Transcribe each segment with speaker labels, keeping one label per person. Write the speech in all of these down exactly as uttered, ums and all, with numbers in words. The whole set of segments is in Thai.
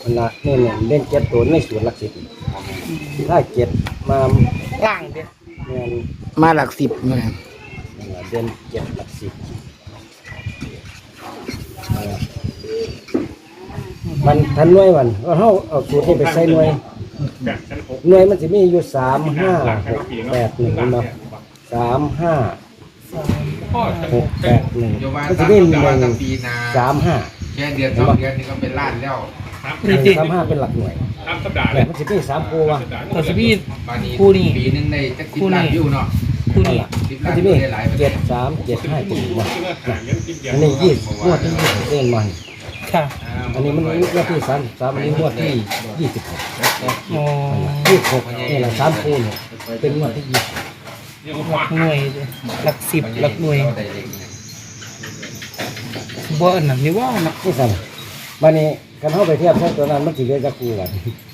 Speaker 1: มันละนี่เนี่ยเล่นเจ็ดตัวในส่วนหลักสิบถ้าเจ็ดมา
Speaker 2: ล่างเด้
Speaker 1: เนี่ย
Speaker 3: มาหลักสิบนะ
Speaker 1: เด่นเจ็ดหลักสิบมันทันหน่วยวันก็เขาเอาสูตรนี้ไปใส่หน่วยหน่วยมันจะมีอยู่สามห้าหกแปดหนึ่งเนาะสามห้าหกแปดหนึ่งมันจะมีหนึ่งสามห้า
Speaker 4: แค่เดือนสองเดือนนี่ก็เป็นล้านแล้ว
Speaker 1: หนึ่งสามห้าเป็นหลักหน่วยแต่มันจะมีสามคู่วะ
Speaker 2: ตัวสบีด
Speaker 4: บานี้
Speaker 2: คู่นี้
Speaker 4: ปีนึงในจักสิบล้านวิวเนาะ
Speaker 2: คู่นี้
Speaker 4: สิบ
Speaker 1: มั
Speaker 4: ล้าน น
Speaker 1: จะ
Speaker 4: วิ
Speaker 1: มี
Speaker 4: วได้หลาย
Speaker 1: เจ็ดสามเจ็ดห้าเจ็ดหกวะอันนี้ยี่สิบงวดที่ยี่สิบเส้นมัน
Speaker 2: ค่ะ
Speaker 1: อันนี้มันงวดที่สามสามอันนี้งวดที่ยี่สิบหก
Speaker 2: อ๋อ
Speaker 1: ยี่สิบหกนี่แหละสามคู่เนี่ยเป็นงวดที่ยี่สิบ
Speaker 2: หลักหน่วยหลักสิบหลักหน่วยบ่อันนั้นนี่ว่านัก
Speaker 1: นี่สั่นวันนี้กันเข้าไปเทียบใช้ตัวนั้นมันจะเรียกจะคู่กัน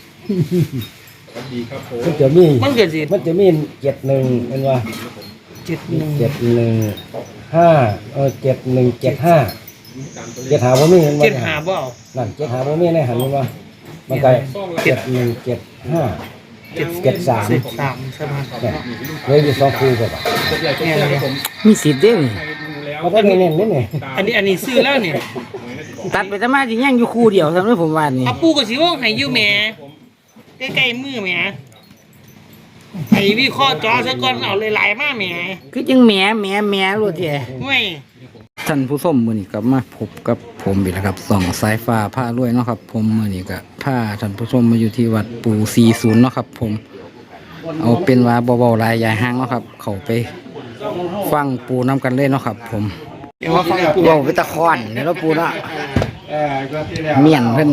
Speaker 1: มันจะมี
Speaker 2: มันเกิดสิ
Speaker 1: มันจะมีเจ็ดหนึ่งเป็นว่า
Speaker 2: เจ็ดหนึ่ง
Speaker 1: เจ็ดหนึ่งห้าเออเจ็ดหนึ่งเจ็ดห้าเจ็ดหาบ่มีเห็นบ่
Speaker 2: เจ็ดหาบ่เอา
Speaker 1: นั่นเจ็ดหาบ่มีในหันเห็นว่ามันไกลเจ็ดหนึ่งเจ็ดห้าเจ็ดเจ็ดสาม
Speaker 2: สิบสามใช่ไหม
Speaker 1: เนี่ยเหลืออยู่สองคู่กับ
Speaker 2: เนี่ยเนี่ย
Speaker 3: มีสิทธิ์เด้นี่
Speaker 1: มันก็เน้นๆนิดหน่อย
Speaker 2: อันนี้อันนี้ซื้อแล้วเนี่ย
Speaker 3: ตัดไปทำไมที่ยังอยู่คู่เดียวทำให้ผมว่านี่
Speaker 2: เอาปูกับสิว่าให้อยู่แหม่ใกล้ๆมือแหม่ไอ้วิเคราะห์จอซะก่อนเอาหลายๆมาแหม่
Speaker 3: คือจังแหมแหมแหมรู้แท้
Speaker 2: ห่วย
Speaker 3: ท่านผู้ชมมื้อนี้ก็มาพบกับผมอีกแล้วครับส่องสายฟ้าผ้ารวยเนาะครับ ผมมื้อนี้ก็พาท่านผู้ชมมาอยู่ที่วัดปู่สี่สิบเนาะครับ ผมเอาเป็นว่าเบาๆหลายใหญ่ห้างเนาะครับ เข้าไปฟังปู่นํกันเลยเนาะครับ ผม
Speaker 2: เดี๋ยวว่าฟังปู
Speaker 3: เว้าไปตะคอนนี่เนาะปู่เนาะเมียนเพิ่น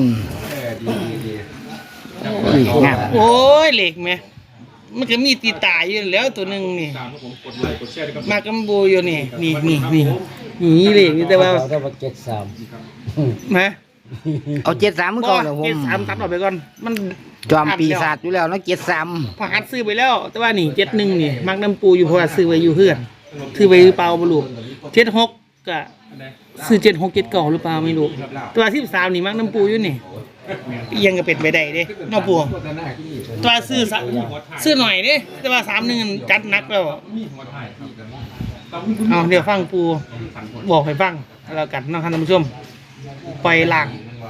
Speaker 3: อุ้ยงาม
Speaker 2: โอ้ยเหล็กแหม่มันก็มีตีตาอยู่แล้วตัวหนึงนี่มากำบูอยู่นี่นี่นี่นี่นี่เหล็กนี่แต่ว่า
Speaker 1: เราได้ว่าเจ็ดสาม
Speaker 2: มา
Speaker 3: เอาเจ็ดสามมือก่อนเหรอผ
Speaker 2: เจ็ด
Speaker 3: ม
Speaker 2: สามตัดออกไปก่อนมัน
Speaker 3: จอมปีศาจอยู่แล้วเนาะเจ็ดสาม
Speaker 2: พอหัดซื้อไปแล้ว แต่ว่านี่เจ็ดหนึ่งนี่มักน้ำปูอยู่เพราะว่าซื้อไว้อยู่เพื่อนซื้อไว้หรือเปล่าไม่รู้เจ็ดหกก็ซื้อเจ็ดหกเจ็ดเก่าหรือเปล่าไม่รู้ตัวที่สามนี่มักน้ำปูอยู่นี่เอียังก็เป็นไปได้เด้นอกปูตัวซื้อสะซื้อหน่อยเด้แต่ว่าสามหนึ่งจัดหนักแล้วเอาเดี๋ยวฟังปูบอกให้ฟังแล้วกันนะครับท่านผู้ชมปล่อยหลัง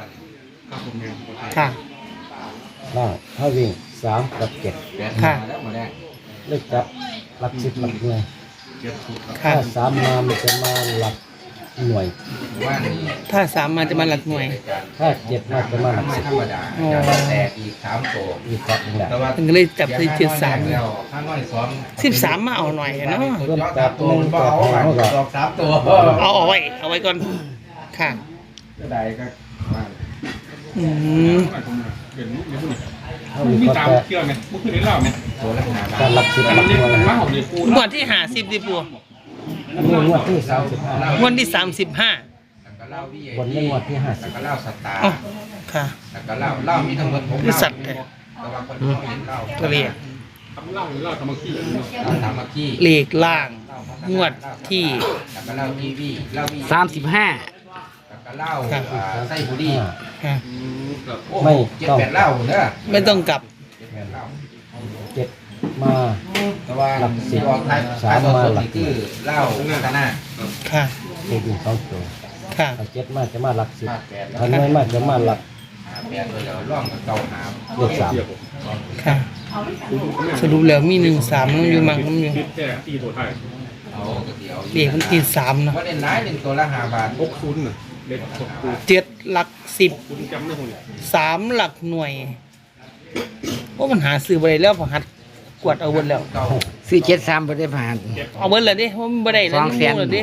Speaker 2: ค่ะ
Speaker 1: ล่างถ้าวิ่งสามกับเจ็ด
Speaker 2: ค่ะ
Speaker 1: เลือกจับหลักสิบหลักหน่วย
Speaker 2: ค่ะ
Speaker 1: ถ้าสามมามันจะมาหลักหน่วย
Speaker 2: ถ้าสามมาจะมาหลักหน่วย
Speaker 1: ถ้าเจ็ดมาจะมาหลัก
Speaker 4: ไม่
Speaker 1: สิบ
Speaker 4: ธรรมดาจะแตกอีกสามโต
Speaker 1: อีกจับหนึ่งแหละ
Speaker 4: แต่ว่า
Speaker 2: มันก็เลยจับที่เจ็ดสาม
Speaker 4: แล้วข้างน้อยสอง
Speaker 2: สิบสามมาเอาหน่อยเนาะ
Speaker 1: เริ่มจับหนึ่งจับหางก็
Speaker 4: ดอกสามตัว
Speaker 2: เอาเอาไว้เอาไว้ก่อนค่ะ
Speaker 4: ก็ได้ก็ว่า
Speaker 2: อืม
Speaker 1: ถ้ามีก็จะ
Speaker 5: เชื่อไหมมุกขึ้นได้เล่าไหม
Speaker 4: ตัวละหาบา
Speaker 1: การ
Speaker 4: ท
Speaker 1: หลักสิบหลักหน่วย
Speaker 5: ว่าของเด็กปู
Speaker 2: งวดที่หาสิบดิปู
Speaker 1: อันนี้งวดที่สามสิบห้าง
Speaker 2: วดที่สามสิบห้า
Speaker 4: แล้วก็เล่าพี่
Speaker 1: บนนี้งวดที่ห้าสิ
Speaker 4: แล้ว
Speaker 1: บ
Speaker 4: ก็เล่าสตาร์
Speaker 2: อ๋อค่ะ
Speaker 4: แล้วก็เล่าเล่ามีทั้งหมดหก
Speaker 2: บริษัทเนี่ย
Speaker 4: แต่ว่าคนที่เห็นเล่า
Speaker 2: ตัวเลข
Speaker 5: ทำเล่าหรือเล่าทำมาขี้
Speaker 4: เล่าตามมาขี้
Speaker 2: เลขล่าง งวดที่
Speaker 4: แล้วก็เล่าทีวีเล่าวี
Speaker 3: สามสิบห้า
Speaker 4: แล้วก็เล่าอ่าไส้บุรี
Speaker 2: ค่ะ
Speaker 4: โอ้โหเจ็ดแปดเล่าเนอะ
Speaker 2: ไม่ต้องกลับ
Speaker 4: เจ็ดแปดเล่า
Speaker 1: เจ็ดมา
Speaker 4: แต่ว่า
Speaker 1: หลักสิบ
Speaker 4: ออกท้าย
Speaker 1: สาม
Speaker 4: ท้ย
Speaker 1: มา
Speaker 4: ตัว
Speaker 1: หลัก
Speaker 4: นี่คือเล่าพัฒนา
Speaker 2: ค่ะ
Speaker 1: เลขวิ่งสองตัว
Speaker 2: ค่ะ
Speaker 1: ถ้าเจ็ดมาจะมาหลักสิบ
Speaker 4: ภาคแปด
Speaker 1: ถ้าน้อยมาจะมาหลัก
Speaker 4: หาแปดตัวเดียวร่องกับเก่าหาม
Speaker 1: เลขสาม
Speaker 2: ค่ะ สรุปแล้วมีหนึ่งสามน้ำอยู่มังน้ำอยู่
Speaker 5: คิดแค่ตีตัวไทย
Speaker 4: เอากระเดียว
Speaker 2: เลขมันติดสามเนาะ
Speaker 4: ว่าเด่นร้ายหนึ่งตัวละห้าบาท
Speaker 5: หกศูนย์น่ะเด็กหกปู
Speaker 2: เจ็ดหลักสิบ
Speaker 5: คุณจำได้คนเนี่ย
Speaker 2: สามหลักหน่วยว่ามันหาซื้อไปแล้วพอหัดกวดเอาเบิดแล้ว
Speaker 4: เก่า
Speaker 3: ซื้อเจ็ดสามไปได้ผ่าน
Speaker 2: เอาเบิดเลยดิว่ามันบ่ได้แล้ว
Speaker 3: สอง
Speaker 2: มัน
Speaker 3: แสน
Speaker 2: มูเลยดิ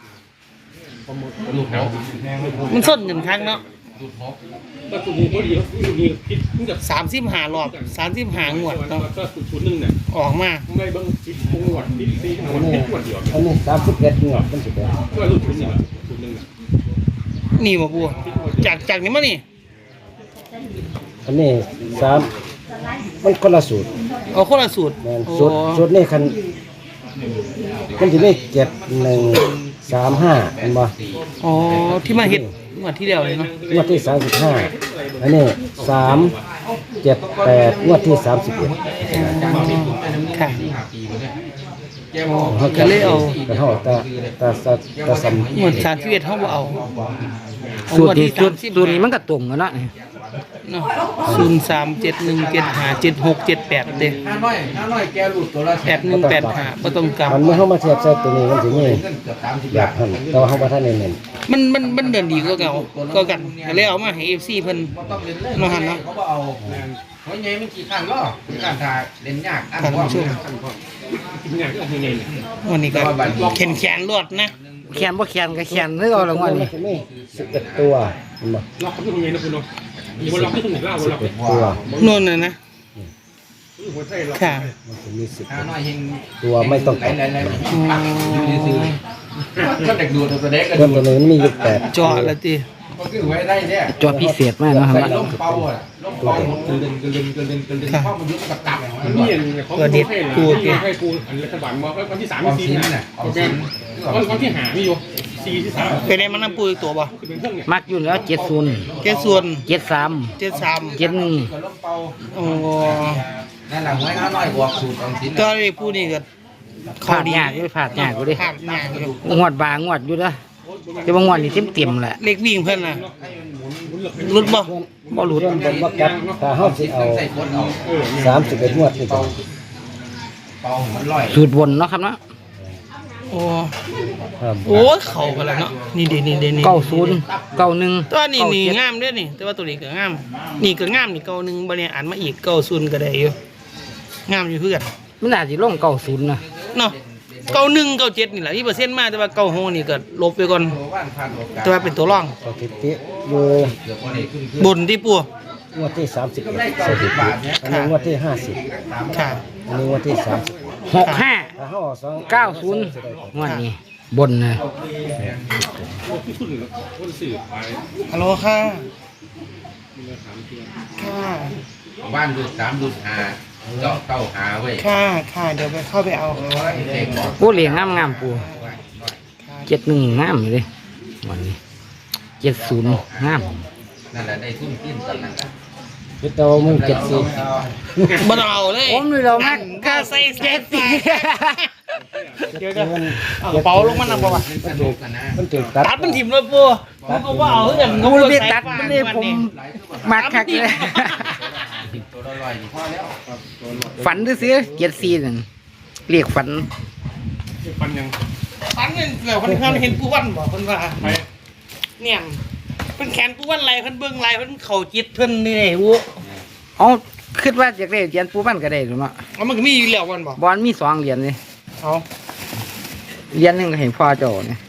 Speaker 4: ลูกหก
Speaker 2: มันส้นกันครั้งเนาะ
Speaker 4: ลูกหก
Speaker 5: ก็สุนีพอดีสุนีคิดมึงจะ
Speaker 2: สามสิบหารอบสามสิบหางวดเนาะ
Speaker 5: ก็สุดชุดหนึ่งเนี่ย
Speaker 2: ออกมา
Speaker 5: มึงได้เบิ้งคิดปงวดคิดตีห
Speaker 1: อั
Speaker 5: วด
Speaker 1: นนี้
Speaker 5: คิดวดเดียว
Speaker 1: อันนี้สามสิบเอ็ดงวดมันสิบเอ็ด
Speaker 5: ก็สุดชุดนี่แหละชุดหนึ่งน่ะ
Speaker 2: นี่บ่บัวจากจากนี้มานี่
Speaker 1: อันนี้สามมันคนละสูตร
Speaker 2: เอาคนละสูตร
Speaker 1: แม่น
Speaker 2: โอ้
Speaker 1: สูตรสูตรนี่คันมันจะได้เจ็ดหนึ่งสามห้าเห็นบ่
Speaker 2: อ๋อที่มาเฮ็ดงวดที่แล้วเลยเนาะ
Speaker 1: งวดที่สามสิบห้าอันนี้สามเจ็ดแปดงวดที่สามสิบเอ็ด
Speaker 2: ค่ะ
Speaker 4: สี่ห้าปีมาเนี่ยแกบ
Speaker 2: อ๋
Speaker 4: อ
Speaker 2: อก เขาก็เลยเอา
Speaker 1: กระเท่าตาตาตาตาสม
Speaker 2: หมวดสามสิบเอ็ดเขาบ่เอาเอา
Speaker 3: สู
Speaker 2: ง
Speaker 3: ต
Speaker 2: ว
Speaker 3: ร
Speaker 2: ด
Speaker 3: นี้
Speaker 2: ที่
Speaker 3: สู
Speaker 2: สา
Speaker 3: ต
Speaker 2: ม
Speaker 3: ร
Speaker 2: สิบ
Speaker 3: สูตรนี้มันก็ตรงกันเนาะ
Speaker 2: เนาะศูนย์สามเจ็ดหนึ่งเจ็ดห้าเจ็ดหกเจ็ดแปดเด้
Speaker 4: ห้าน้อยห้าน้อยแกหลุดตัวละ
Speaker 2: แปดหนึ่งแปดห้าบ่ต้องกลับ
Speaker 1: มันเมื่อเข้ามาเทียบใส่ตัวนี้มันถึงนี่
Speaker 4: เงินเกือบสามสิบ
Speaker 1: อยา
Speaker 4: บาก ท
Speaker 1: หันแต่ว่าเขาบ่ทันได้เน้น
Speaker 2: มันมันมันเดินดีกว่าเก่าก็กันก็เลยเอามาให้ เอฟ ซี เพิ่น
Speaker 4: บ่ต้องเล่นเลย
Speaker 2: เนาะหันเนาะ
Speaker 4: เขาบ่เอาเพราะไงมันกี่ครั้งก็การทาเล่นยากอัน
Speaker 2: ท่าน
Speaker 4: ว่า
Speaker 2: ผู้ชม
Speaker 5: กินอย่างก็ยังไงเนี่ย
Speaker 2: วันนี้ก็แขนแขนรวดนะ
Speaker 3: แขนบ่แขนก็แขนคือเอาละงวด
Speaker 1: มัน
Speaker 3: นี้
Speaker 1: จะมีสิบเอ็ดตัวเห็นบ่
Speaker 5: ล็อกเขาเป็นยังไงนะคุณเนาะมีคนล็อกที่ตรงไหนเล่า
Speaker 1: สิบ
Speaker 5: ล็อก
Speaker 1: เอ็ดตัว
Speaker 2: นู่นน่ะนะ
Speaker 5: หัวใจล็อก
Speaker 2: ค่ะ
Speaker 1: มันจะมีสิบ
Speaker 4: ห้าน้อยเฮง
Speaker 1: ตัวไม่ต้องกลับ
Speaker 4: ไหนๆๆอยู่ซื่อๆก็เด็กดูตัวเด็กก็
Speaker 1: ตัว
Speaker 4: ดู
Speaker 1: ตัวนึงมันมีอยู่แปด
Speaker 2: เจาะละติ
Speaker 4: ก็คือไว้ได้เนี่ย
Speaker 3: จอพิเศษมากเนาะครับ
Speaker 4: ใส่ล่มเป่าอ่ะล่มเป่าหมดกระเด็นกระเด็นกระเด็นกระเด็นเข้ามายุบกับตับ
Speaker 5: มันมีอย่างเขาให้กูให้กูอันรัฐบาลมาวันที่สาม
Speaker 4: ความ
Speaker 5: สี่
Speaker 4: ชิ้น
Speaker 5: นะ
Speaker 4: น่ะความ
Speaker 5: โอเค
Speaker 4: ชิ้น
Speaker 5: วันวันที่หามีอยู่สี่ที่สาม
Speaker 2: ไปได้มันน้ำปูอีกตัวบ่
Speaker 5: คือเป็นเครื่องเนี่ย
Speaker 3: มักอยู่แล้วเจ็ดศูนย์
Speaker 2: เจ็ดส่วน
Speaker 3: เจ็ดสาม
Speaker 2: เจ็ดสาม
Speaker 3: เจ็ดหนึ่ง
Speaker 4: กับล่มเป่า
Speaker 2: โอ้
Speaker 4: นั่นแหละไว้ห้าน้อยบวกสูตรความชิ้น
Speaker 2: ก็ได้ผู้นี่ก็
Speaker 3: ผาดยากอยู่ผาดยากอยู่ดิ
Speaker 2: ขาดยากอยู่
Speaker 3: งวดบางงวดอยู่เด้อแต่บางงวดนี่เต็มๆแหละ
Speaker 2: เล็กวิ่งเพิ่นน่ะรุดบ่
Speaker 3: บ่หลุด
Speaker 1: เรื่องบนว่ากับถ้าเฮาสิเอา
Speaker 4: ใส่คนเอา
Speaker 1: สามสิบเอ็ดงวดนี่ก็
Speaker 4: เป่ามันลอย
Speaker 3: สูตรบนเนาะครับเนาะ
Speaker 2: โอ้
Speaker 1: ครับ
Speaker 2: โอ้ยเข้ากันแล้วเนาะนี่เด้นี่เด้นี่
Speaker 3: เก้าศูนย์เก้าหนึ่ง
Speaker 2: ตัวนี้นี่
Speaker 3: เก้าเจ็ด
Speaker 2: งามเด้อนี่ แต่ว่าตัวนี้ก็งาม นี่ก็งามนี่เก่าหนึงบ่เนี่ยอ่านมาอีกเก้าศูนย์ก็ได้อยู่งามอยู่เพื่อน
Speaker 3: มันน่าสิลงเก้าศูนย์นะ
Speaker 2: เนาะเก้าหนึ่งเก้าเจ็ดนี่แหละที่เปอร์เซ็นต์มาแต่ว่าเก้าหกนี่ก็ลบไปก่อน
Speaker 4: ตัวว่านผ่านโอกาส
Speaker 2: แต่ว่าเป็นตัวร่อง
Speaker 1: สถิติอยู่
Speaker 4: เกือบวันนี้ขึ้นขึ้น
Speaker 2: บนที่ปัว
Speaker 1: งวดที่สามสิบเอ็ด
Speaker 4: ได้
Speaker 1: ส
Speaker 4: เก้า
Speaker 1: ถิ
Speaker 4: สิบ
Speaker 1: ติ
Speaker 4: บาทเนี่ย
Speaker 1: อันนี้งวดที่ห้าสิบ
Speaker 2: ค่ะ
Speaker 1: อันนี้งวดที่สามสิบ
Speaker 3: หกห้า
Speaker 1: ถ้าเฮาเอาสอง
Speaker 3: เก้าศูนย์งวดนี้บนนะ
Speaker 5: ที่สุดคนสื่อไป
Speaker 2: ฮัลโหลค่ะค่ะ
Speaker 4: บ้านดูสามดูหาเจาะเก้าหาไว้
Speaker 2: ค่ะค่ะเดี๋ยวไปเข้าไปเอา
Speaker 4: โอ้ยเด็กบอก
Speaker 3: โอ้เหลียงงามงามๆปูเจ็ดหนึ่งงามอยู่เลยวันนี้เจ็ดศูนย์งาม
Speaker 4: นั่นแหละได้ทุ่มทิ้นตอนนั้นแหละ
Speaker 1: ยึดเอามึงเจ็ดสิบ
Speaker 2: บ่ต้องเอาเลย
Speaker 3: ผมเลยเรามาก
Speaker 2: ก็ใส่เจ็ดสิเดี๋ยวจะเอากระเป๋าลงมันนำบ่วะ
Speaker 4: สนุกกันนะ
Speaker 1: มันถูกตัด
Speaker 2: ตัดมันถิ่มเลยปัวมันก็ว่าเอาคือกัน
Speaker 3: ผมเลยตัดมันเลยผมมักคักเลย
Speaker 4: ตัวละร้อยพอแล้ว
Speaker 3: ฝันซื้อเจ็ดสี่นั่นเรียกฝัน
Speaker 5: ฟันยัง
Speaker 2: ตัดเงินแล้วคนเขาเห็นปูวันบ่คนว่า
Speaker 5: ไป
Speaker 2: เนี่ยเพิ่นแขนปูวันไหลเพิ่นเบิ่งไหลเพิ่นเข้าจิตเพิ่นนี่แหละวู้
Speaker 3: เอาคิดว่าอยากได้เหรียญปูบ้านก็ได้หรือเปล่า
Speaker 2: เอามันก็มีอยู่แล้ววันบ่
Speaker 3: บอลมีสองเหรียญเลย
Speaker 2: เอา
Speaker 3: เหรียญหนึ่งก็เห็นพ่อเจ้าเนี่ย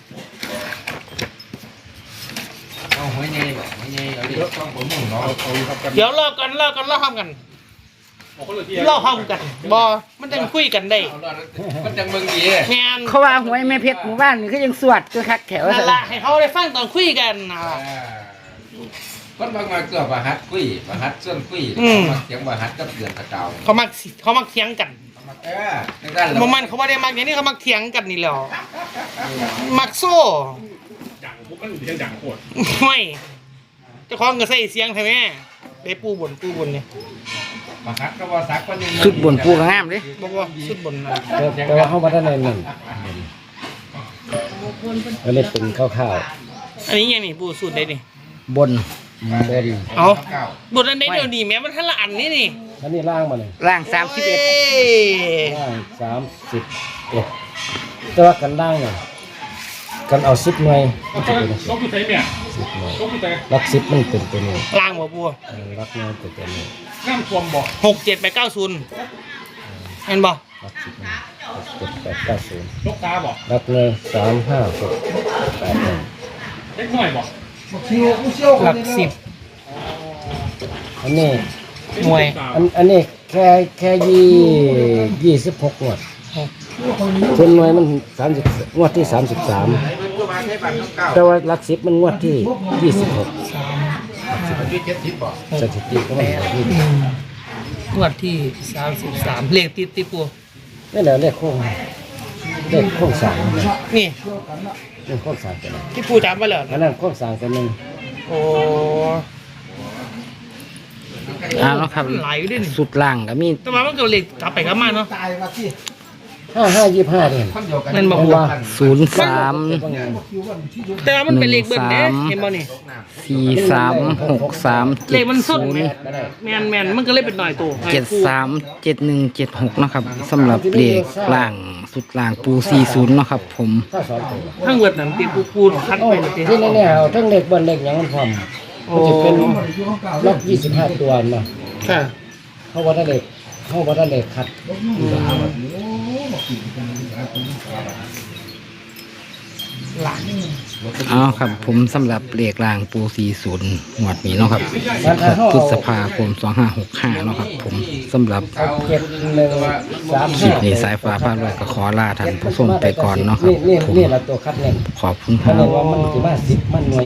Speaker 4: เอาหัวใหญ่บอกหัวใหญ่เอาดิต้องผมมุ่งเนาะ
Speaker 5: เอาครับกัน
Speaker 2: เดี๋ยวรอกันรอกันรอทำกัน
Speaker 5: เอาคนละที่
Speaker 2: รอทำกันบ่มันจังคุยกันได้
Speaker 4: เอาละมันจังเมืองดี
Speaker 2: แม่น
Speaker 3: เขาว่าหวยแม่เพชรหมู่บ้านนี่ก็ยังสวดก็คักแถว
Speaker 2: นั่นล่ะให้เขาได้ฟังตอนคุยกันน่ะ
Speaker 4: คนบางมาเกือบว่าฮัดกุ้ยว่าฮัดส่วนกุ้ยมาเสียงว่าฮัดกับเดือนตะเกา
Speaker 2: เขามักสิเขามักเถียงกัน
Speaker 4: เออในด้าน
Speaker 2: บ่มันเขาบ่ได้มักอย่างนี้เขามักเถียงกันนี่แหล้วมักโซ่
Speaker 5: อย่างพวกมันยังอย่างโคตร
Speaker 2: ไม่เจ้าของก็ใส่เสียงใช่ไหมได้ปูบนปูบนเนี่ย
Speaker 4: มาฮัดก็ว่าซักคนนึง
Speaker 3: สุดบนปูก็งามเลย
Speaker 2: บอกว่าสุดบนน่ะ
Speaker 1: แต่แต่ว่าเฮาบ่ทันได้เน้นอันนี้เป็นข้าว
Speaker 2: อันนี้ยังนี่ปูสุดได้นี่
Speaker 3: บน
Speaker 1: ๆบน
Speaker 2: เอาบทอันใดเดี๋ยวนี้แม้มันทันละอันนี่นี่
Speaker 1: อันนี้ล่างมาเลย
Speaker 3: ล่างสามสิบเอ็ด
Speaker 2: โย
Speaker 1: ล่างสามสิบเอ็ดแต่ว่ากันล่างเนี่ยกันเอาสิบหน่วยมันจะเป็น
Speaker 5: ต้องคือใส่เนี่ย
Speaker 1: สิบหน่วย
Speaker 5: ต้องคือใส่
Speaker 1: ลักสิบมันเป็นตัวนี้
Speaker 2: ล่างบ่ปู
Speaker 1: เออลักหน่วยเป็นตัวนี้
Speaker 5: น้ำท่วมบ่
Speaker 2: หกเจ็ดแปดเก้าศูนย์เห็นบ่
Speaker 1: ลักสิบมันหกเจ็ดแปดเก้าศูนย์
Speaker 5: ลูกตาบ่
Speaker 1: ลักหน่วยสามห้าหกแปดหนึ่ง
Speaker 5: เล็กน้อยบ่
Speaker 2: หลักสิบ
Speaker 1: อันนี้
Speaker 2: หน่วย
Speaker 1: อันอันนี้แค่แค่ยี่ยี่สิบหกงวดส่วนหน่วยมันสามสิบงวดที่สามสิบสามแต่ว่าลักสิบมันงวดที่ยี่สิบหกสถิติก็มันแบบนี้
Speaker 2: งวดที่สามสิบสามเลขติดติดปู
Speaker 1: นี่แหละเลขโค้งเลขโค้งสาม
Speaker 2: นี่
Speaker 1: เลขโค้งสามตัวนึง
Speaker 2: ที่ปูจำไว้แล้ว
Speaker 1: อันนั้นโค้งสามตัวหนึ่ง
Speaker 2: โอ้
Speaker 3: อ่าเนาะครับ
Speaker 2: ไหลอยู่ด้วยนี่
Speaker 3: สุดล่างก็มี
Speaker 2: แต่ว่ามันก็เลขกลับไปกลับมาเนาะ
Speaker 1: ห้าห้ายี่ห้าเนี่ย
Speaker 2: นั่นบอก
Speaker 1: เห็น
Speaker 2: ว่า
Speaker 1: ว่า
Speaker 3: ศูนย์สาม
Speaker 2: แต่ว่ามันเป็นเลขเบิ้ลเด้เห็นบ่นี่
Speaker 3: สี่สามหกสาม
Speaker 2: เล
Speaker 3: เจ็ด
Speaker 2: ขมันสุด
Speaker 3: ศูน
Speaker 2: แม
Speaker 3: ย์
Speaker 2: นแมนมันก็เลยเป็นหน่อยตัว
Speaker 3: เจ็ดสามเจ็ดหนึ่งเจ็ดหกนะครับสำหรับเลขล่างสุดล่างปูสี่ศูนย์เนาะครับผม
Speaker 1: ถ้าสองตัว
Speaker 2: ทั้งเวิร์ดนั่นตีปูปูคัด
Speaker 1: โอ้
Speaker 2: ไปเลยตี
Speaker 1: ที่แน่ๆเอาทั้งเล็กบนเล็กอย่างมันพร้อมมันจะเป็นล็อกยี่สิบห้าตัวมา
Speaker 2: ค่ะ
Speaker 1: เข้าวัดเล็กเข้าวัดเล็กคัด
Speaker 2: หลัง
Speaker 3: เอาครับผมสำหรับเลขล่างปูสี่ศูนย์หมวดนี้เนาะครับ
Speaker 1: มันถ้าเข้า
Speaker 3: พฤ
Speaker 1: เอา
Speaker 3: ษภาคมสองห้าหกห้าเนาะครับผมสำหรับ
Speaker 1: เอาเจ็ดหนึ่งสาม
Speaker 3: คลิ
Speaker 1: ห้า
Speaker 3: ปนี้สายฟ้าพาลอยก็ขอลาท่านผู้ชมไปก่อนเนาะครับ
Speaker 1: นี่นี่
Speaker 3: ผม
Speaker 1: นี่แหละตัวคัดเน้น
Speaker 3: ขอบคุณค
Speaker 1: คั
Speaker 3: รั
Speaker 1: ดเน้น
Speaker 3: บ
Speaker 1: ว่ามันจะมาสิบมันหน่วย